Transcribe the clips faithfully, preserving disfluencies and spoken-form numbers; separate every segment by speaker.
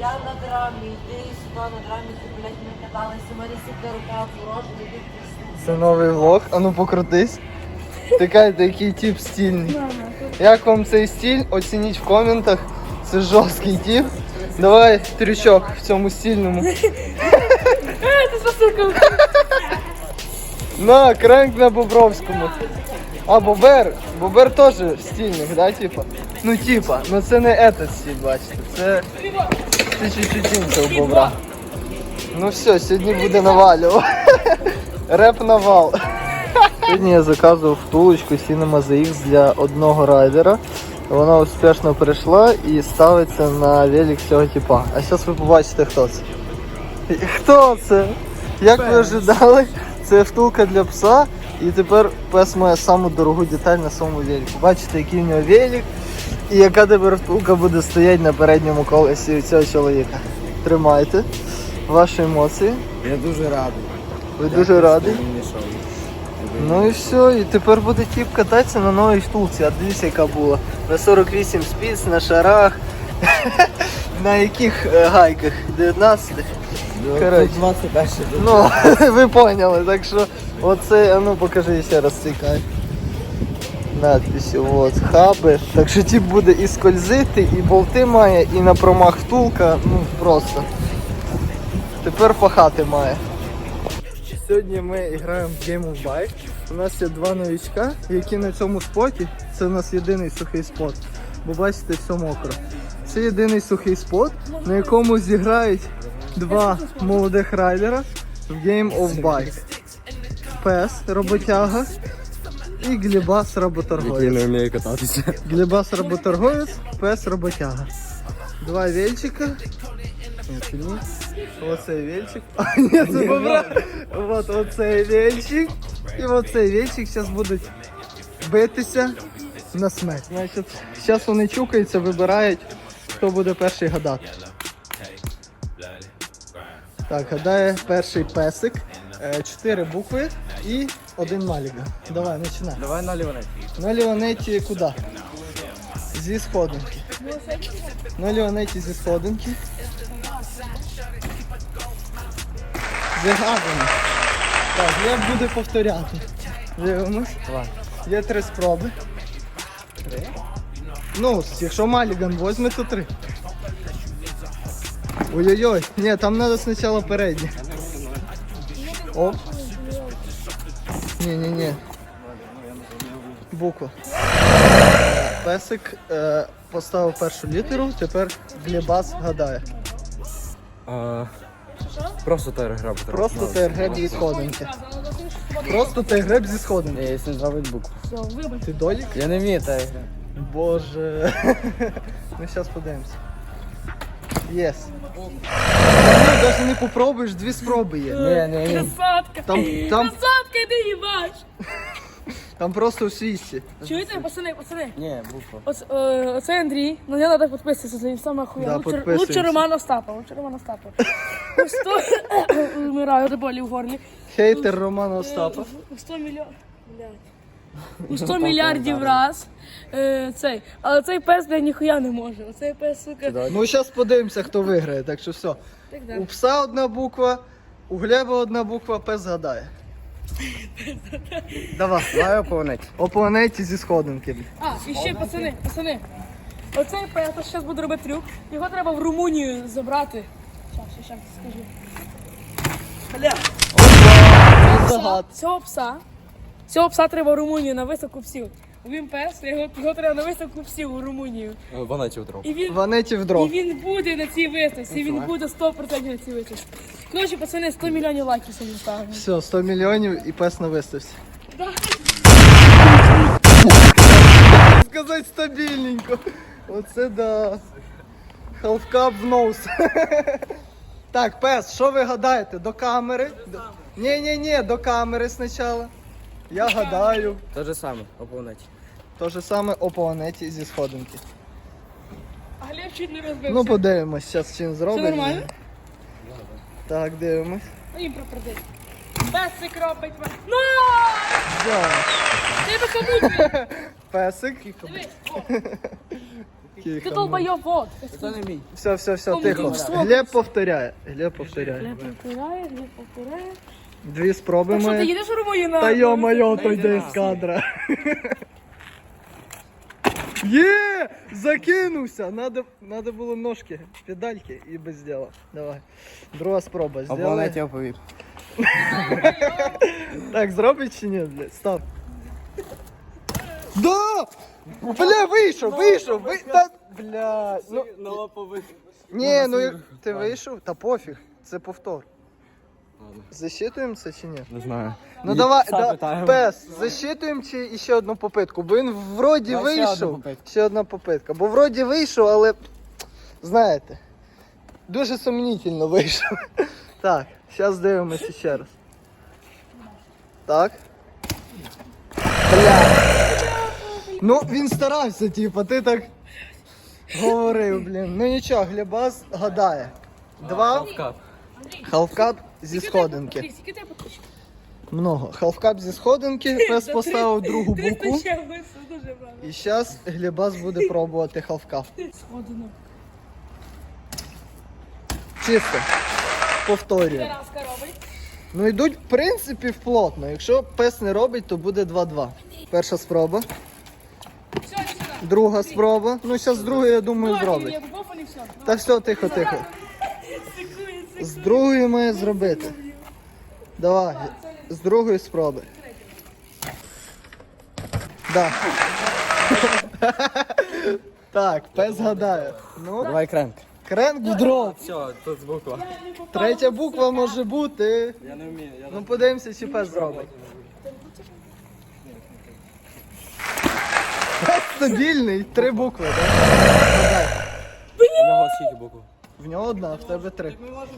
Speaker 1: Я на драмі, ти сюди на драмі, ти, блядь, ми каталися, у мене сіпля рука ворожа,
Speaker 2: Це новий влог, а ну покрутись. Така, який тип стильний. Як вам цей стиль? Оцініть в коментах. Це жорсткий тип. Давай трючок в цьому стильному. На, кренк на Бобровському. А Бобер, Бобер теж стильний, да, типа? Ну типа, ну це не этот стиль, бачите. Це, це чуть-чуть інший у Бобра. Ну все, сьогодні буде навалювати. Реп навал. Сьогодні я заказував втулочку Cinema зет ікс для одного райдера. Вона успішно перейшла і ставиться на велик цього типа. А зараз ви побачите, хто це. Хто це? Як ви ожидали, це втулка для пса. І тепер пес має саму дорогу деталь на своєму велику. Бачите, який в нього велик і яка тепер втулка буде стояти на передньому колесі цього чоловіка. Тримайте ваші емоції.
Speaker 3: Я дуже радий.
Speaker 2: Ви дуже радий? Ну і все, і тепер буде тип кататися на новій втулці. А дивіться, яка була. На сорок вісім спіц, на шарах. На яких е, гайках? дев'ятнадцять? Коротше.
Speaker 3: двадцять перше.
Speaker 2: Ну, ви поняли, так що оце, а ну покажи ще раз цей кайф. Надписи, от, хаби. Так що тип буде і скользити, і болти має, і на промах втулка, ну просто. Тепер пахати має. Сьогодні ми граємо в Game of Bike. У нас є два новичка, які на цьому споті. Це у нас єдиний сухий спот. Бо бачите, все мокро. Це єдиний сухий спот, на якому зіграють два молодих райдера в Game of Bike. Пес, роботяга і Глібас, роботорговець.
Speaker 3: Який не вміє кататися.
Speaker 2: Глібас, роботорговець, пес, роботяга. Два вельчика. Ні, ні. Оцей вельчик. А, ні, це бобра. Вот оцей вельчик. І оцей вельчик зараз будуть битися на смерть. Значить, зараз вони чукаються, вибирають, хто буде перший гадати. Так, гадає перший песик. Чотири букви і один маліга. Давай, починай.
Speaker 3: Давай на ліванеті.
Speaker 2: На ліванеті куди? Зі сходинки. На ліванеті зі сходинки. Загадано. Так, я буду повторяти. Дивимось.
Speaker 3: Давай.
Speaker 2: Є три спроби. Три? Ну, якщо Маліган возьме, то три. Ой-ой-ой. Ні, там треба спочатку переднє. Оп. Ні-ні-ні. Буква. Песик е, поставив першу літеру, тепер Глібас гадає.
Speaker 3: А, просто тайр-граб.
Speaker 2: Просто тайр-греб зі сходинки. Просто тайр-греб зі сходинки.
Speaker 3: Я якщо зробити букву.
Speaker 2: Ти долік?
Speaker 3: Я не вмію тайр-граб.
Speaker 2: Боже. Ну зараз подивимося. Єс. Ти навіть не попробуєш, дві спроби є.
Speaker 3: Ні, ні, ні.
Speaker 4: Красотка!
Speaker 2: Там, там,
Speaker 4: Красотка, ти їбаш!
Speaker 2: там просто в свісті.
Speaker 4: Чуєте, пацани, пацани?
Speaker 3: Ні, буква.
Speaker 4: Оце, е, оце Андрій, на нього треба підписатися, це він саме
Speaker 2: Да,
Speaker 4: охуєнний. Лучше,
Speaker 2: підписуємося.
Speaker 4: лучше Роман Остапа, лучше Роман Остапа. сто Вмираю, до болі в горлі.
Speaker 2: Хейтер Романа Остапа.
Speaker 4: У сто мільйонів. У сто мільярдів раз. Е, цей. Але цей пес, блядь, ніхуя не може. Оцей пес, сука.
Speaker 2: Ну зараз подивимося, хто виграє, так що все.
Speaker 4: Так,
Speaker 2: У
Speaker 4: да.
Speaker 2: пса одна буква, у Глеба одна буква, пес згадає. Давай.
Speaker 3: Давай по планеті.
Speaker 2: О планеті зі сходинки.
Speaker 4: А, і ще, пацани, пацани. Оцей пес, я зараз буду робити трюк. Його треба в Румунію забрати. Щас, щас, щас скажу.
Speaker 2: Загад.
Speaker 4: Цього пса, цього пса треба в Румунію на виставку псів. Він пес, його, його треба на виставку псів у Румунію.
Speaker 3: Ванеті утрав.
Speaker 4: І він,
Speaker 2: Ванеті в
Speaker 4: і
Speaker 2: дров.
Speaker 4: він буде на цій виставці, і він буде сто відсотків на цій виставці. Коротше, пацани, сто мільйонів лайків сьогодні ставимо.
Speaker 2: Все, сто мільйонів і пес на виставці.
Speaker 4: Да.
Speaker 2: Сказати стабільненько. Оце да. Халфкап в нос. Так, пес, що ви гадаєте? До камери? Ні-ні-ні, до камери спочатку. Я гадаю.
Speaker 3: Те же саме, по планеті.
Speaker 2: То же саме о планеті зі сходинки.
Speaker 4: А Глеб чуть не розбився.
Speaker 2: Ну подивимось, зараз чим
Speaker 4: Все
Speaker 2: зробимо.
Speaker 4: нормально?
Speaker 2: Так, дивимось.
Speaker 4: Ну їм пропердить. Песик робить. Ну!
Speaker 2: Да.
Speaker 4: Ти би кому?
Speaker 2: Песик.
Speaker 4: Дивись, о. Ти долбойоб, вот.
Speaker 3: Це не мій.
Speaker 2: Все, все, все,
Speaker 4: Кому
Speaker 2: тихо.
Speaker 4: ти що?
Speaker 2: Глеб повторяє. Глеб повторяє.
Speaker 4: Глеб повторяє, Глеб повторяє.
Speaker 2: Дві спроби
Speaker 4: Так що, ти
Speaker 2: ми.
Speaker 4: їдеш у Румунію на...
Speaker 2: Та йо-моє, то
Speaker 3: Дай
Speaker 2: йде
Speaker 3: на.
Speaker 2: з кадра. Є! Закинувся! Надо, надо було ножки, педальки і без діла. Давай. Друга спроба.
Speaker 3: Або
Speaker 2: Сделай.
Speaker 3: навіть я повів.
Speaker 2: Так, зробить чи ні, блядь? Став. Да! Бля, вийшов, вийшов, ви... Та... Бля, ну...
Speaker 3: На лопових.
Speaker 2: Ні, ну як- ти вийшов? Та пофіг, це повтор. Засчитуємо це чи ні?
Speaker 3: Не знаю.
Speaker 2: Ну
Speaker 3: І
Speaker 2: давай,
Speaker 3: пса
Speaker 2: да,
Speaker 3: питаємо.
Speaker 2: пес, засчитуємо чи ще одну попитку, бо він вроді
Speaker 3: Давай ще одну
Speaker 2: вийшов.
Speaker 3: попитку.
Speaker 2: Ще одна попитка. Бо вроді вийшов, але знаєте, дуже сумнітельно вийшов. Так, зараз дивимося ще раз. Так. Бля. Ну, він старався, типу, ти так говорив, блін. Ну нічого, Глебас гадає. Два халфкап зі сходинки.
Speaker 4: Андрій, скільки тебе підписчиків?
Speaker 2: Много. Халфкап зі сходинки, пес поставив другу букву.
Speaker 4: триста чимось, дуже правильно.
Speaker 2: І зараз Глебас буде пробувати халфкап.
Speaker 4: Сходинок.
Speaker 2: Чисто. Повторюю.
Speaker 4: Тараска робить.
Speaker 2: Ну йдуть, в принципі, вплотно. Якщо пес не робить, то буде два-два. Перша спроба.
Speaker 4: Все, іди сюди.
Speaker 2: Друга спроба. Ну, зараз другу, я думаю, зробить.
Speaker 4: Я був, і все.
Speaker 2: Та все, тихо, тихо.
Speaker 4: Секує,
Speaker 2: З другої має зробити. Давай, з другої спроби. Да. Так, пес гадає. Ну,
Speaker 3: Давай кренк.
Speaker 2: кренк в дров.
Speaker 3: Все, тут буква.
Speaker 2: Третя буква може бути.
Speaker 3: Я не вмію. Я
Speaker 2: Ну подивимося, чи пес зробить. Пес стабільний, три букви, так? Гадай.
Speaker 3: У нього скільки букв?
Speaker 2: В нього одна, а в тебе три.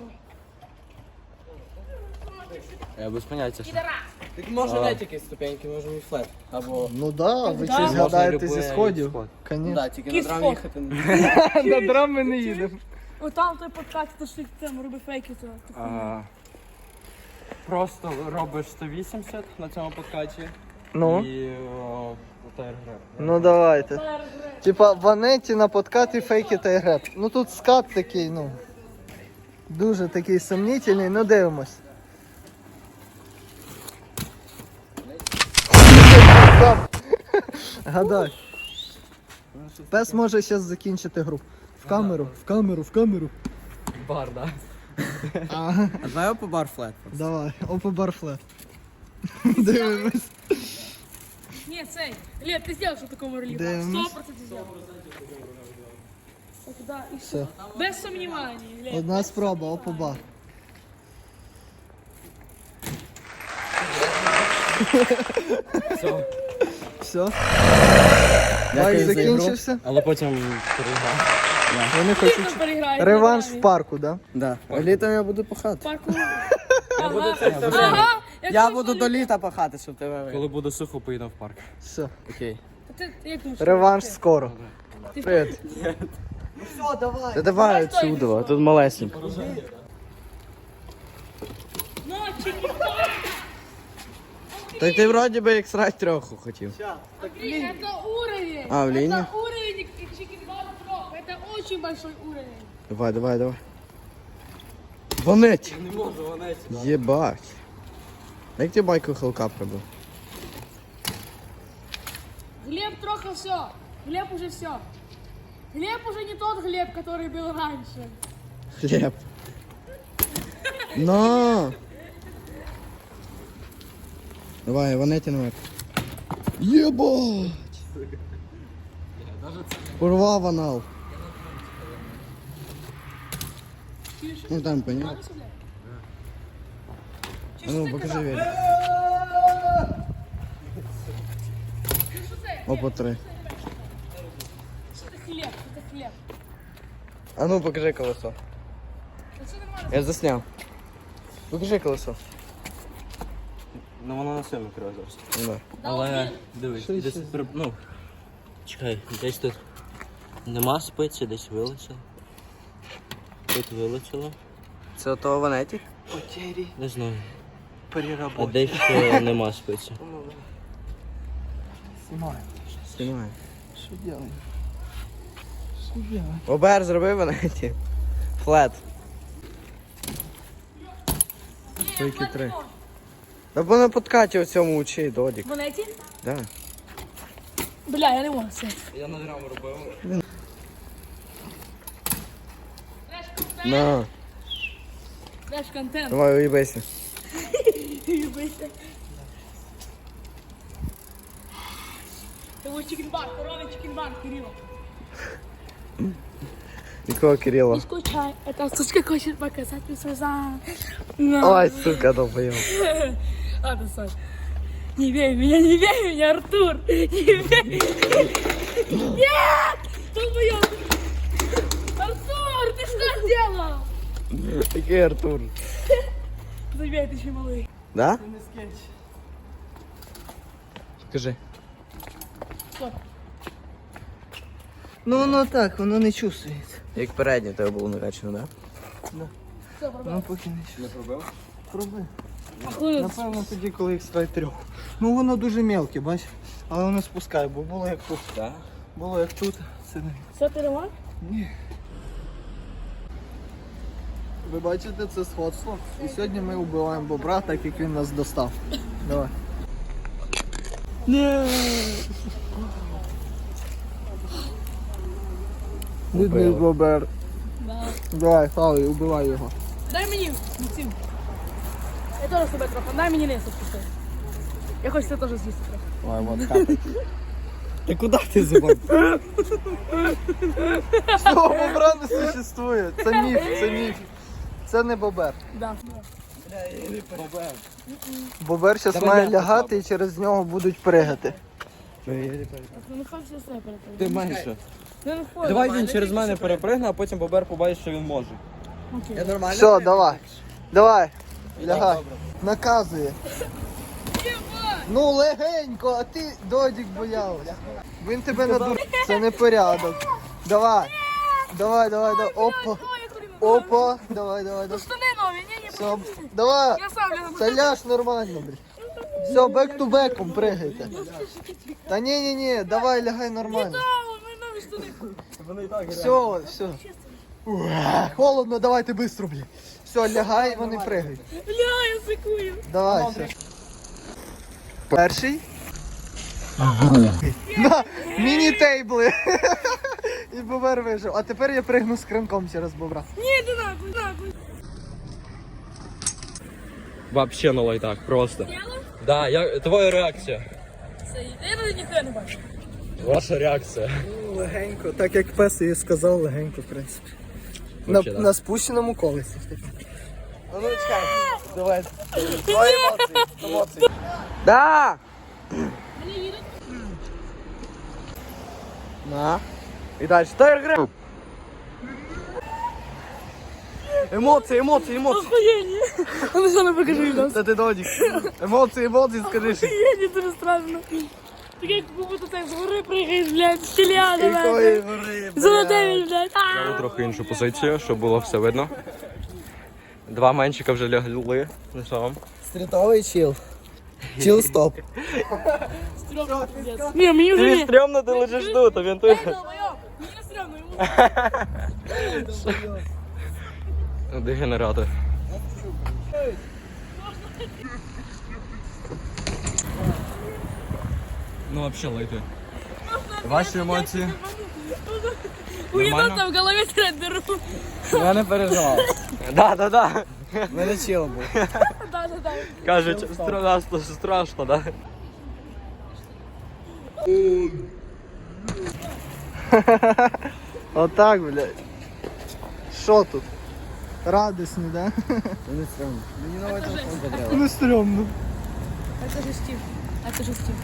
Speaker 3: Я без поняття. Так може не тільки ступеньки, може і флет. Або...
Speaker 2: Ну да, ви
Speaker 4: Да.
Speaker 2: щось
Speaker 3: Можна
Speaker 2: гадаєте зі
Speaker 3: любий
Speaker 2: сходів.
Speaker 3: сход.
Speaker 2: Конечно.
Speaker 3: Да, тільки на
Speaker 4: Кіс
Speaker 3: драм
Speaker 4: фот.
Speaker 3: їхати.
Speaker 2: На драм ми не їдемо.
Speaker 4: О, там той подкат, то що ти там роби фейки, то. то
Speaker 5: А, Просто робиш сто вісімдесят на цьому подкаті
Speaker 2: Ну,
Speaker 5: і о, тайр-греб.
Speaker 2: ну давайте. Типа ванеті на подкаті фейки та греб. Ну тут скат такий, ну. Дуже такий сумнітельний, ну дивимось. Гадай. Пес може зараз закінчити гру. В камеру, в камеру, в камеру.
Speaker 3: Бар, да.
Speaker 2: Ага,
Speaker 3: А давай по бар флет.
Speaker 2: давай, опа барфлет. Дивимось.
Speaker 4: Ні, цей. Глеб, ти зробив, що такому релігу.
Speaker 2: Дивимось.
Speaker 4: сто відсотків зробив. Так, да, і все.
Speaker 2: Все.
Speaker 4: Без сумнівань, Глеб.
Speaker 2: Одна спроба, опа бар.
Speaker 3: Все.
Speaker 2: Все. Лайк
Speaker 3: Дякую за ігру.
Speaker 2: закінчився.
Speaker 5: Але потім переграв.
Speaker 2: Вони
Speaker 4: Ти
Speaker 2: хочуть
Speaker 4: там переграєш.
Speaker 2: реванш в парку, да?
Speaker 3: Да. А літом я буду пахати.
Speaker 4: Парку.
Speaker 3: Я буду,
Speaker 4: Ага.
Speaker 3: я буду до літа пахати, щоб тебе вийшло.
Speaker 5: Коли буде сухо, поїдемо в парк.
Speaker 2: Все.
Speaker 3: Окей.
Speaker 4: Ти, ти як думаєш?
Speaker 2: Реванш скоро.
Speaker 4: Ти-
Speaker 2: Привіт.
Speaker 3: Та давай отсюда, тут малесенько.
Speaker 4: Ну, чики.
Speaker 3: Так ти вроді би як срать трьоху хотів.
Speaker 4: Это уровень.
Speaker 3: А, в линии?
Speaker 4: Это уровень чики два на трех. Это очень большой уровень.
Speaker 3: Давай, давай, давай. Вонеть!
Speaker 5: Не можу, вона
Speaker 3: Єбать. Як ти байку хелкап робив?
Speaker 4: Глеб трохи все. Глеб уже все. Глеб уже не тот Глеб, который был раньше.
Speaker 3: Хліб. Но! Давай, вонеті на метр. Єбать! Порвав анал. Ну там понял. А ну покажи велик. Опа, три.
Speaker 4: Это хлеб, это хлеб.
Speaker 3: А ну покажи колесо.
Speaker 4: Это нормально.
Speaker 3: Я засняв. Покажи колесо.
Speaker 5: Ну воно на сильно керує зараз.
Speaker 3: Да.
Speaker 5: Але дивись, десь при- ну. Чекай, десь тут нема спиці, десь вилетіло. Тут вилетіло.
Speaker 3: Це ото ванеті?
Speaker 5: Не знаю.
Speaker 2: Переработка.
Speaker 5: А десь ще нема спиці.
Speaker 2: Знімаю.
Speaker 3: Знімай.
Speaker 2: Що делаем?
Speaker 3: Бобер зробив вона ті. Флет.
Speaker 2: Тільки три. Та бо на подкаті у цьому учи, Додік.
Speaker 4: Монеті?
Speaker 2: Да.
Speaker 4: Бля, я не можу це.
Speaker 3: Я на драм робив.
Speaker 2: На,
Speaker 4: Наш контент.
Speaker 2: давай уїбайся.
Speaker 4: Юбися. Це ось чікінбар, коровий чікінбар, Кирило.
Speaker 2: Якого Кирила?
Speaker 4: Не скучай, эта сучка хочет показать мне свой зад.
Speaker 2: Ой, сука, долбоёб.
Speaker 4: Ладно, Саш. Не бей меня, не бей меня, Артур! Не бей! Нет! Долбоёб! Артур, ты что сделал?
Speaker 2: Який Артур?
Speaker 4: Забей, ты еще малый.
Speaker 2: Да? Скажи.
Speaker 4: Стоп.
Speaker 2: Ну воно так, воно не чувствується.
Speaker 3: Як передній тебе було накачано, так?
Speaker 4: Все, пробил.
Speaker 2: Ну поки не чувствується.
Speaker 3: Не пробив?
Speaker 2: Проби.
Speaker 4: Охуенно.
Speaker 2: Напевно тоді, коли їх стає трьох. Ну воно дуже мелке, бач. Але воно спускає, бо було як тут.
Speaker 3: Так.
Speaker 2: Було як тут. Це не.
Speaker 4: Все, ты ремонт?
Speaker 2: Ні. Ви бачите це сходство? І сьогодні ми вбиваємо бобра, так як він нас достав. Давай. Ні. Бідний бобер.
Speaker 4: Да.
Speaker 2: Давай, хавай, убивай його.
Speaker 4: Дай мені, Максим. Я теж себе трохи, дай мені не спусти. Я хочу це теж з'їсти трохи.
Speaker 2: Ой, вот хапай. Ти куди ти зубав? Цього бобра не существує. Це міф, це міф. Це не бобер.
Speaker 4: Да.
Speaker 2: Бобер зараз має лягати і через нього будуть пригати.
Speaker 4: Ну не хай все себе перепрыгнути.
Speaker 3: Ти менше.
Speaker 4: Ну не хай.
Speaker 3: Давай він через мене перепригне, а потім Бобер побачить, що він може.
Speaker 4: Окей.
Speaker 3: нормально?
Speaker 2: Все, давай. Давай. Лягай. Наказує. Ну легенько, а ти Додік боявся. Він тебе надур. Це не порядок. Давай. Давай, давай, давай. Опа. Опа. Давай, давай, давай.
Speaker 4: Штани нові, ні, ні.
Speaker 2: Все. Давай.
Speaker 4: Я сам лягу.
Speaker 2: Це ляж нормально, блядь. Все, бек ту беком пригайте. Та ні, ні, ні, давай лягай нормально.
Speaker 4: О, мої нові штани.
Speaker 3: Вони і так
Speaker 2: Все, все. Ух, холодно, давайте быстро, блядь. Все, лягай, вони пригають.
Speaker 4: Бля, я сикую.
Speaker 2: Давай, все. Перший. На, міні-тейбли. І бобер вижив. А тепер я пригну з кринком через бобра.
Speaker 4: Ні, ти нахуй, нахуй.
Speaker 3: Вообще на лайтах, просто. Да, я, твоя реакція.
Speaker 4: Це я навіть ніхто не бачу.
Speaker 3: Ваша реакція.
Speaker 2: Легенько, так як пес і сказав, легенько, в принципі. На,
Speaker 3: Вообще, да.
Speaker 2: на спущеному колесі. А ну чекай, давай. Твої емоції, емоції. Да!
Speaker 4: Мені їдуть.
Speaker 2: На. І далі. Тайр гри. Емоції, емоції, емоції.
Speaker 4: Охуєнні. А ну що, не покажи відос.
Speaker 2: Це ти Додік. Емоції, емоції, скажи. ще.
Speaker 4: Охуєнні, дуже страшно. Так як будто ти з гори пригаєш, блядь, з тіля,
Speaker 2: Якої
Speaker 4: давай.
Speaker 2: гори,
Speaker 4: Золотий, блядь.
Speaker 3: Взяли трохи іншу позицію, щоб було все видно. Два меншика вже лягли. Ну що вам?
Speaker 2: Стрітовий чіл. Чіл стоп.
Speaker 4: Стрьомно, пиздец. Ні, мені вже
Speaker 3: Тобі
Speaker 4: ні.
Speaker 3: стрьомно, ти лежиш тут, а він тут.
Speaker 4: Ей, долбойоб, мені не стрьомно, йому.
Speaker 3: Дегенерати. Ну вообще лайти. Ваші емоції?
Speaker 4: У єнота в голові трет дыру.
Speaker 3: Я не переживав. Да, да, да.
Speaker 2: У мене чіл був.
Speaker 4: Да, да, да.
Speaker 3: Кажуть, страшно, страшно, да?
Speaker 2: Отак, блядь. Що тут? Радісні, да?
Speaker 3: Не стрьомно. Мені новий телефон потрібен.
Speaker 2: Не стрьомно.
Speaker 4: А це же Стів. А це же Стів.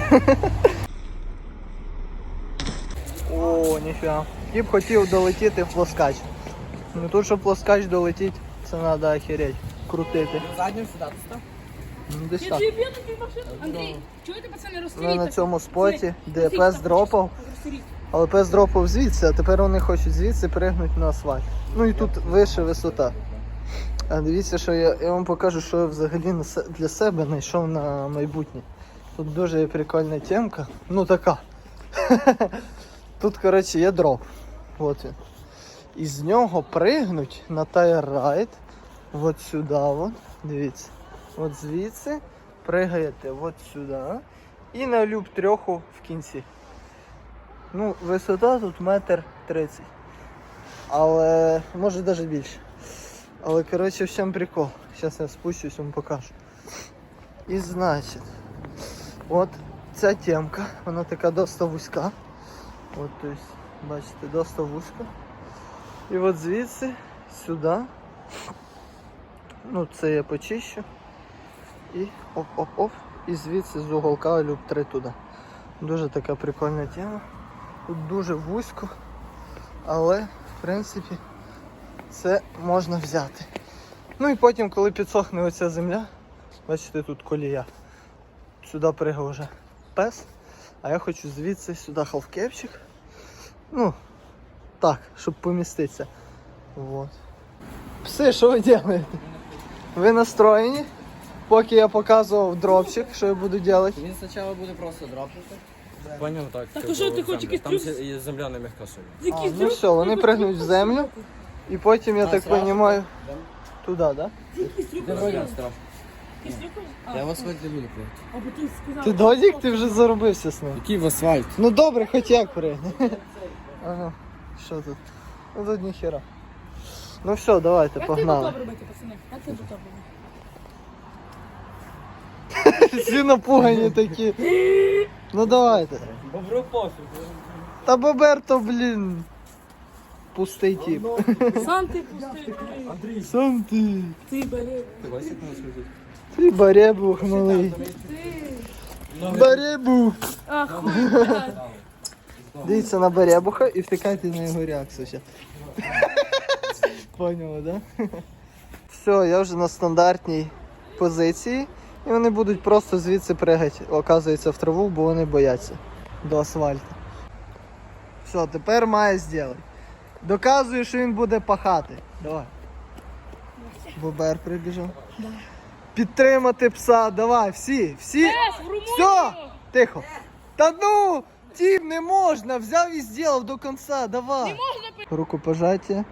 Speaker 2: О, ніфіга. Я б хотів долетіти в плоскач. Ну тут, щоб плоскач долетіть, це треба охереть. Крутити.
Speaker 3: Заднім сідати став?
Speaker 2: Ну десь
Speaker 4: Я
Speaker 2: так.
Speaker 4: тобі б'ю такий машину. Андрій, чуєте, пацани,
Speaker 2: Ми
Speaker 4: розстріліть.
Speaker 2: на цьому споті, де
Speaker 4: Розстріліть
Speaker 2: пес
Speaker 4: так,
Speaker 2: дропав.
Speaker 4: розстріліть.
Speaker 2: Але пес дропав звідси, а тепер вони хочуть звідси пригнути на асфальт. Ну і тут вища висота. А дивіться, що я, я вам покажу, що я взагалі на се- для себе знайшов на майбутнє. Тут дуже прикольна темка. Ну така. Тут, коротше, є дроп. От він. І з нього пригнуть на тайр-райд. От сюди, вон. Дивіться. От звідси пригаєте от сюди. І на люб трьоху в кінці. Ну, висота тут метр тридцять. Але може навіть більше. Але коротше в чому прикол. Зараз я спущусь, вам покажу. І значить, от ця темка, вона така досить вузька. От, тобто, бачите, досить вузька. І от звідси сюди. Ну, це я почищу. І оп-оп-оп. І звідси з уголка люб три туди. Дуже така прикольна тема. Тут дуже вузько, але в принципі це можна взяти. Ну і потім, коли підсохне оця земля, бачите, тут колія. Сюди пригав вже пес, а я хочу звідси сюди халфкепчик. Ну, так, щоб поміститися. Вот. Пси, що ви робите? Ви настроєні? Поки я показував дропчик, що я буду робити.
Speaker 3: Він спочатку буде просто дропнути.
Speaker 5: Поняв, так.
Speaker 4: Так, а що ти хочеш якийсь
Speaker 5: Там
Speaker 4: трюк?
Speaker 5: се- є земля не м'яка собі.
Speaker 2: А,
Speaker 4: Якийсь
Speaker 2: ну
Speaker 4: трюк?
Speaker 2: все, вони пригнуть в землю. І потім, я
Speaker 3: А,
Speaker 2: так
Speaker 3: зразу?
Speaker 2: розумію, туди, так? Да?
Speaker 4: Якийсь трюк?
Speaker 3: Де вроді страшно.
Speaker 4: Якийсь трюк? А,
Speaker 3: Я в асфальт не буду прийти.
Speaker 4: або ти сказав.
Speaker 2: Ти додік, ти вже заробився з ним.
Speaker 3: Який в асфальт?
Speaker 2: Ну добре, хоч як пригни. Ага, що тут? Ну тут ніхера. Ну все, давайте,
Speaker 4: Як
Speaker 2: погнали.
Speaker 4: ти робити, пацани? Як ти тут робити?
Speaker 2: Всі напугані такі. Ну давайте.
Speaker 5: Бобру пофіг.
Speaker 2: Та Бобер то, блін, пустий тип.
Speaker 4: Сам ти пустий. ти.
Speaker 2: Сам ти.
Speaker 4: Ти бери.
Speaker 2: Ти баребух малий. Баребух.
Speaker 4: Ах, хуй, блядь.
Speaker 2: Дивіться на баребуха і втикайте на його реакцію ще. Поняли, да? Все, я вже на стандартній позиції. І вони будуть просто звідси пригати, оказується, в траву, бо вони бояться до асфальту. Все, тепер має зробити. Доказує, що він буде пахати. Давай. Бобер прибіжав. Підтримати пса, давай, всі, всі.
Speaker 4: Ес, в Румунію!
Speaker 2: Все, тихо. Та ну, тім, не можна, взяв і зробив до кінця, давай. Рукопожаття.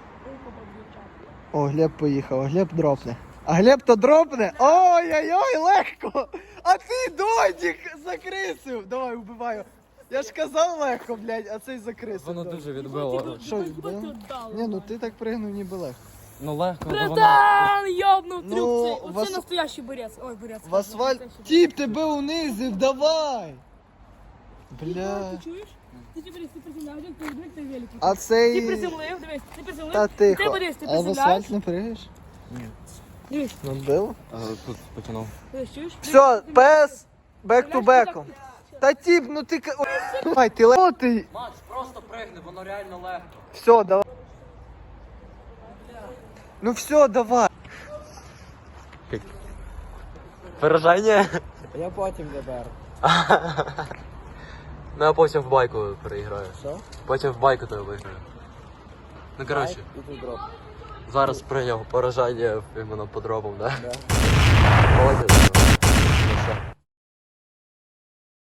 Speaker 2: О, Глеб поїхав, Глеб дропне. А Глеб то дропне? Ой-ой-ой, легко! А ти, Додік, закрисив! Давай, вбиваю. Я ж казав легко, блядь, а цей закрисив.
Speaker 5: Воно
Speaker 2: Додік.
Speaker 5: дуже відбило.
Speaker 2: Що,
Speaker 4: Хіба
Speaker 2: відбило?
Speaker 4: ти віддав?
Speaker 2: Ні, ну ти так пригнув ніби легко.
Speaker 5: Ну легко, але воно...
Speaker 4: Братан, йобнув
Speaker 2: Ну,
Speaker 4: трюк цей.
Speaker 2: вас-
Speaker 4: Оце настоящий борець. Ой, борець.
Speaker 2: В асфальт.
Speaker 4: Настоящий
Speaker 2: Тіп, тебе унизив, давай!
Speaker 4: борець.
Speaker 2: Бля.
Speaker 4: Ти чуєш? Ти дивись, ти приземляєш, ти дивись, ти великий.
Speaker 2: А
Speaker 4: Ти
Speaker 2: цей...
Speaker 4: приземлив, дивись, ти приземлив.
Speaker 2: Та
Speaker 4: Ти
Speaker 2: тихо.
Speaker 4: подивись, ти
Speaker 2: А в
Speaker 4: приземляєш.
Speaker 2: асфальт не пригаєш?
Speaker 4: Дивись,
Speaker 2: Ну, було.
Speaker 5: А, Тут потягнув.
Speaker 4: дивись, чуєш?
Speaker 2: Все, пес, бек ту беком. Та тіп, ну ти... ка- Ой, ти летий.
Speaker 5: Макс, просто пригни, воно реально легко.
Speaker 2: Все, давай. Ну все, давай.
Speaker 5: Виражання?
Speaker 3: Я потім доберу.
Speaker 5: Ну я потім в байку переіграю.
Speaker 3: Що?
Speaker 5: Потім в байку тебе виграю. Ну коротше,
Speaker 3: І тут дроп.
Speaker 5: зараз прийняв поражання іменно по дропам, да?
Speaker 3: Да.
Speaker 5: Молодець.